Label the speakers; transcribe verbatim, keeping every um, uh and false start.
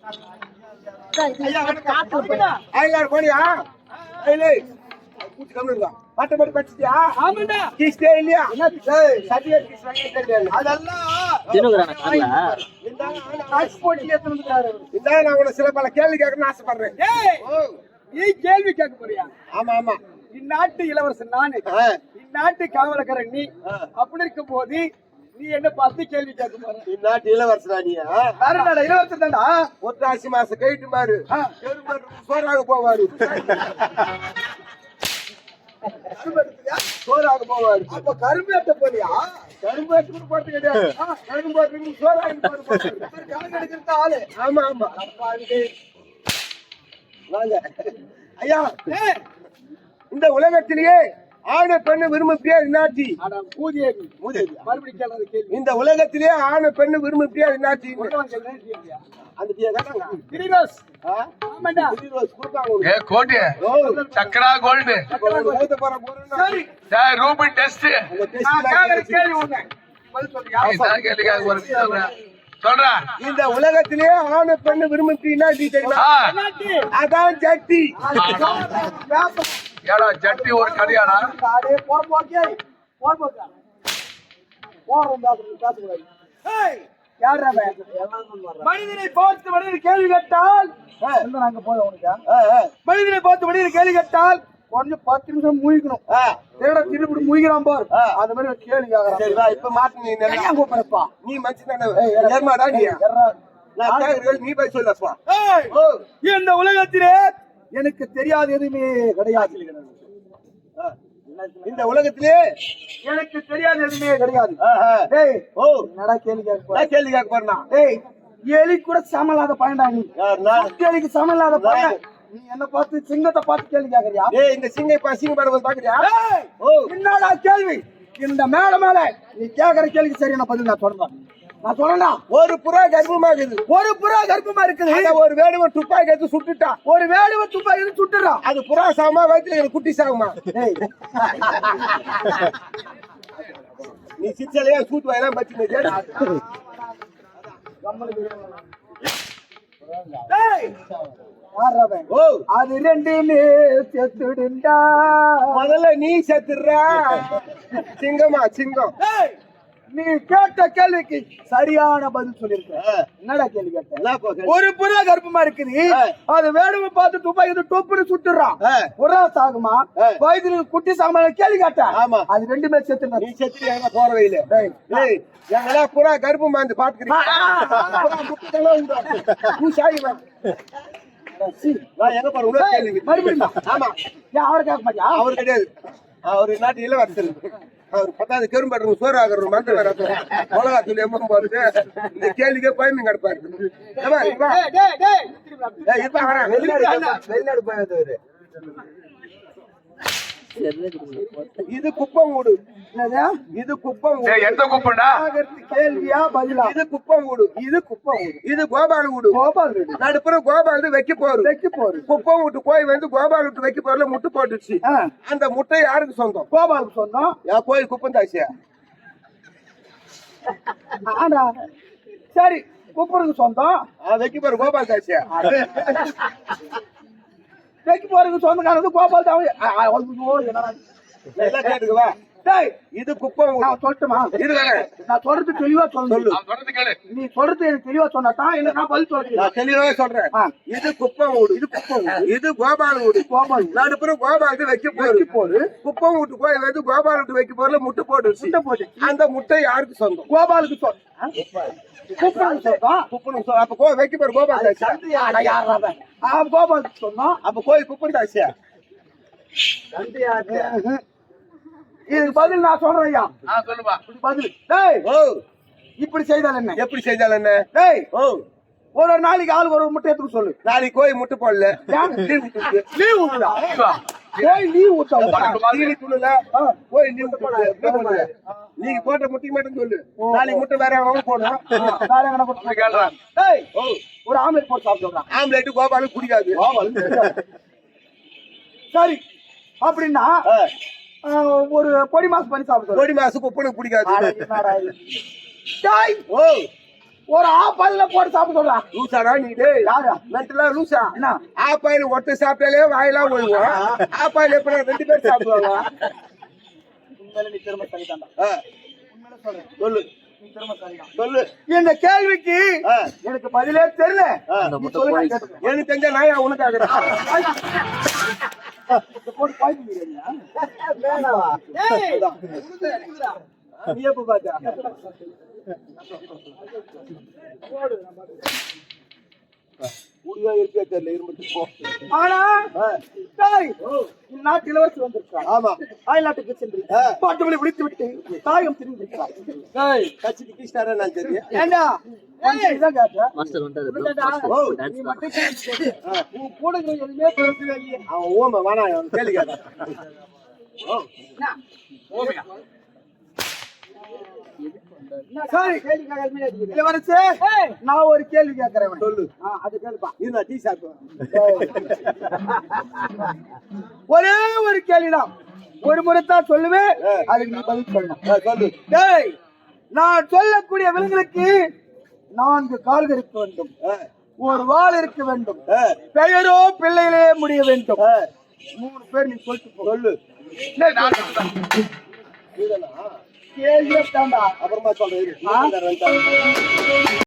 Speaker 1: போனியா பட்டப்படி படிச்சிட்டியா?
Speaker 2: ஆமாண்டா.
Speaker 1: கிஸ்டே இல்லையா? சர்டிபிகேட் இதான் நான் உன சில பல கேள்வி கேட்கணும்னு ஆசைப்படுறேன்.
Speaker 2: நீ கேள்வி கேட்க போறியா?
Speaker 1: ஆமா ஆமா.
Speaker 2: இந்நாட்டு இளவரசன் நானு, இந்நாட்டு காவலக்காரன் நீ. அப்படி இருக்கும் போது நீ என்ன பார்த்து கேள்வி கேட்க போற?
Speaker 1: இந்நாட்டு இளவரசனா நீ?
Speaker 2: வேறடா இளவரசன் தான்டா.
Speaker 1: ஒத்தாசி மாசம் கைட்டு பாரு சோறாக போவாரு. சோறாக போவாரு.
Speaker 2: அப்ப கரும்பு ஏற்ற போறியா?
Speaker 1: கரும்பு ஏற்று போறது கிடையாது. கரும்பு போட்டு சோறாக
Speaker 2: கணக்கு எடுக்கிறது ஆளு.
Speaker 1: ஆமா ஆமா. வாங்க ஐயா. இந்த உலகத்திலேயே ஆணை பெண்ணு விரும்பப்பியா இன்னாச்சி? இந்த உலகத்திலேயே ஆணை பெண்ணு விரும்பப்பியா இன்னாச்சி?
Speaker 3: சக்கரா கோல்டு ரூபி டெஸ்ட் சொல்றா.
Speaker 1: இந்த உலகத்திலேயே ஆணை பெண்ணு விரும்பப்பியா தெரியுமா? அதான் சட்டி.
Speaker 3: ஏடா சட்டி ஒரு கடையாடா?
Speaker 2: மனிதனை பார்த்து மனிதன் கேள்வி கேட்டால் மனிதனை பார்த்து மனிதன் கேள்வி கேட்டால் கொஞ்சம் பத்து நிமிஷம் மூழ்கணும். தேட திருப்பி மூழ்கிறான் பார். அந்த மாதிரி கேள்வி கேட்கறான்.
Speaker 1: இப்ப மாட்டு நீ மனுஷன் நீ போய் சொல்லப்பா.
Speaker 2: இந்த உலகத்திலே எனக்கு தெரியாது எதுவுமே கிடையாது.
Speaker 1: இந்த உலகத்திலே
Speaker 2: எனக்கு தெரியாது எதுவுமே கிடையாது. கேள்வி கேட்க
Speaker 1: கேள்வி கேட்க போறா.
Speaker 2: எலி கூட சமலாத பயன்டா நீ. எலிக்கு சமலாத பயன். நீ என்ன பார்த்து சிங்கத்தை பார்த்து கேள்வி கேட்கறியா?
Speaker 1: இந்த சிங்க இப்ப சிங்கப்பட பாக்குறியா?
Speaker 2: என்னடா கேள்வி? இந்த மேல மேல நீ கேட்கற கேள்விக்கு சரியான பதில் நான் சொல்றேன். நான் சொல்றேன்னா
Speaker 1: ஒரு புறா கர்ப்பமா இருக்குது.
Speaker 2: ஒரு புறா கர்ப்பமா இருக்குது.
Speaker 1: ஒரு வேடுவன் துப்பாக்கி எடுத்து சுட்டுட்டான்.
Speaker 2: ஒரு வேடுவன் துப்பாக்கி எடுத்து சுட்டுறான்.
Speaker 1: அது புறா சாகுமா வயிற்றுல குட்டி சாகுமா? நீ சிச்சலையா சூட்டு வாயெல்லாம் பச்சு
Speaker 2: அது ரெண்டுமே செத்துடுண்டா.
Speaker 1: முதல்ல நீ செத்துடுறா. சிங்கமா சிங்கம்.
Speaker 2: நீ கேட்ட கேள்விக்கு சரியான பதில் சொல்லிருக்க. என்னடா கேள்வி கேட்ட? ஒரு புறா கர்ப்பமா இருக்குது. அது வேடுவை பார்த்து துப்பாக்கி டொப்புன்னு சுட்டுறான். புறா சாகுமா வயதுல குட்டி சாகுமா கேள்வி கேட்டேன்.
Speaker 1: ஆமா
Speaker 2: அது ரெண்டுமே செத்து.
Speaker 1: நீ செத்து போற வயல எங்களா புறா கர்ப்பமா இருந்து பாத்துக்கிறீங்க. எங்க பாரு
Speaker 2: மறுபடியும்.
Speaker 1: ஆமா
Speaker 2: அவரு கேட்க மாட்டியா?
Speaker 1: அவரு கிடையாது. அவரு நாட்டு இளவரசர். அவர் பத்தாவது கரும்பு சோறு ஆகிறோம் மந்த மிளகா தூள் எம்ம பாருங்க. இந்த கேள்விக்கே பயமே கிடப்பாரு. வெளிநாடு போயவர். இது குப்பம் கூடு. இது குப்பம்
Speaker 3: எந்த குப்பம்டா?
Speaker 2: கேள்வியா பதிலா?
Speaker 1: இது குப்பம் கூடு.
Speaker 2: இது குப்பம் கூடு.
Speaker 1: இது கோபால் கூடு.
Speaker 2: கோபால்
Speaker 1: நடுப்புற கோபால் வைக்க போரு.
Speaker 2: வைக்க போரு.
Speaker 1: குப்பம் விட்டு கோயில் வந்து கோபால் விட்டு வைக்க போறல முட்டை போட்டுச்சு. அந்த முட்டை யாருக்கு சொந்தம்?
Speaker 2: கோபாலுக்கு சொந்தம்.
Speaker 1: யா கோயில் குப்பம் தாசியா?
Speaker 2: சரி குப்பருக்கு சொந்தம்.
Speaker 1: வைக்க போற கோபால் தாசியா?
Speaker 2: வைக்க போறதுக்கு சொந்தக்காரது கோபால் தான்.
Speaker 1: கேட்டுக்குவா. இது குப்பம்
Speaker 2: சொல்லட்டுமா? நான் சொல்றது தெளிவா சொல்லு. நீ சொல்றது எனக்கு தெளிவா சொன்னாதான் இல்ல நான் பதில் சொல்றேன்.
Speaker 1: தெளிவாவே சொல்றேன். இது குப்பம் வீடு. இது குப்பம் இது கோபால் வீடு. கோபால் நடுப்புற கோபால் வைக்க போது போது குப்பம் வீட்டு கோயில் வந்து கோபால் விட்டு வைக்க போறல முட்டை போட்டு முட்டை போட்டு அந்த முட்டை யாருக்கு சொந்தம்?
Speaker 2: கோபாலுக்கு சொந்தம்.
Speaker 1: அப்ப கோ வைக்க போற கோபால்
Speaker 2: கோபாலுக்கு சொந்தம்.
Speaker 1: அப்ப கோயில் குப்பம் தாசியா?
Speaker 2: இதுக்கு பதில் நான் சொல்றேன் ஐயா.
Speaker 3: சொல்லுவா
Speaker 2: பதில். இப்படி செய்தால் என்ன?
Speaker 1: எப்படி செய்தால் என்ன?
Speaker 2: ஒரு ஒரு நாளைக்கு ஆளுக்கு ஒரு முட்டை எடுத்துக்க சொல்லு.
Speaker 1: நாளைக்கு கோயில் முட்டை போடல.
Speaker 2: லீவ் ஊத்துடா. கோயில் லீவ் ஊத்தா.
Speaker 1: கோயில் லீவ் ஊத்து. நீங்க போட்ட முட்டை மட்டும் சொல்லு. நாளைக்கு முட்டை வேற எவங்க போடணும்.
Speaker 2: வேற எவன போட்டு ஒரு ஆம்லெட் போட்டு சாப்பிடுறான்.
Speaker 1: ஆம்லெட் கோபாலுக்கு பிடிக்காது.
Speaker 2: சரி அப்படின்னா ஒரு பொடி மாசு பண்ணி சாப்பிடுவோம்.
Speaker 1: பொடி மாசு குப்பனுக்கு பிடிக்காது.
Speaker 2: ஒரு ஆப்பாயில போட்டு சாப்பிட சொல்றான்.
Speaker 1: லூசாடா நீ டேய்
Speaker 2: யாரு?
Speaker 1: மென்டலா லூசா
Speaker 2: என்ன?
Speaker 1: ஆப்பாயில ஒருத்தர் சாப்பிட்டாலே வாயெல்லாம் போயிடுவோம். ஆப்பாயில எப்ப ரெண்டு பேர் சாப்பிடுவாங்க?
Speaker 2: உண்மையில நீ திரும்ப சரிதான்டா.
Speaker 1: ஆ,
Speaker 2: உண்மையில சொல்றேன்.
Speaker 1: சொல்லு
Speaker 2: நீ திரும்ப சரிதான்.
Speaker 1: சொல்லு.
Speaker 2: இந்த கேள்விக்கு
Speaker 1: ஆ,
Speaker 2: எனக்கு பதிலே தெரியல.
Speaker 1: ஆ.
Speaker 2: நீ சொல்லு, நான் கேட்டுக்கிறேன்.
Speaker 1: எனக்கு தெரிஞ்ச நான் உனக்கு ஆகுறேன்.
Speaker 2: இதை போட்டு பாய்ச்சி முடியலையா? ஏய், உனக்கு இருக்குதுடா.
Speaker 1: நீ எப்ப பாத்தா? முடியா இருக்கே தெரியல இருந்துட்டு போ.
Speaker 2: ஆனா
Speaker 1: ஆ,
Speaker 2: தாய் நாட்டு இளவரசி வந்திருக்கார்.
Speaker 1: ஆமா.
Speaker 2: தாய் நாட்டுக்கு சென்று
Speaker 1: ஆ.
Speaker 2: பாட்டுகளை விடுத்து விட்டு தாயம் திரும்பியிருக்கிறார்.
Speaker 1: டேய் கட்சிக்கு கீஸ்டாரா நான் தெரியும்.
Speaker 2: ஏண்டா இதான் கேட்டேன்.
Speaker 1: ஓ,
Speaker 2: நீ மட்டும் கேட்டு உன் கூட இருக்கிற எதுவுமே பேசவே இல்லையே.
Speaker 1: அவன் ஓம வேணா அவன் கேள்வி கேட்டான். ஓ,
Speaker 3: ஓமியா
Speaker 2: சரி, இளவரசே, நான் ஒரு கேள்வி கேட்கிறேன்.
Speaker 1: சொல்லு.
Speaker 2: ஆ, அது கேளுப்பா.
Speaker 1: இது நான் டீ சாப்பிடுவேன்.
Speaker 2: ஒரே ஒரு கேள்விதான், ஒரு முறைத்தான் சொல்லுவேன், அதுக்கு நீ பதில் சொல்லணும்.
Speaker 1: ஆ, சொல்லு.
Speaker 2: டேய், நான் சொல்லக்கூடிய விலங்குகளுக்கு நான்கு கால்கள் இருக்க வேண்டும்,
Speaker 1: ஆ,
Speaker 2: ஒரு வால் இருக்க வேண்டும்,
Speaker 1: ஆ,
Speaker 2: பெயரோ பிள்ளையிலே முடிய வேண்டும்.
Speaker 1: ஆ.
Speaker 2: மூணு பேர் நீ சொல்லிட்டு போ.
Speaker 1: சொல்லு.
Speaker 3: நான் சொல்றேன்.
Speaker 1: இதுதானா?
Speaker 2: கேள்வியே தாண்டா.
Speaker 1: அப்புறமா சொல்றேன். இரு.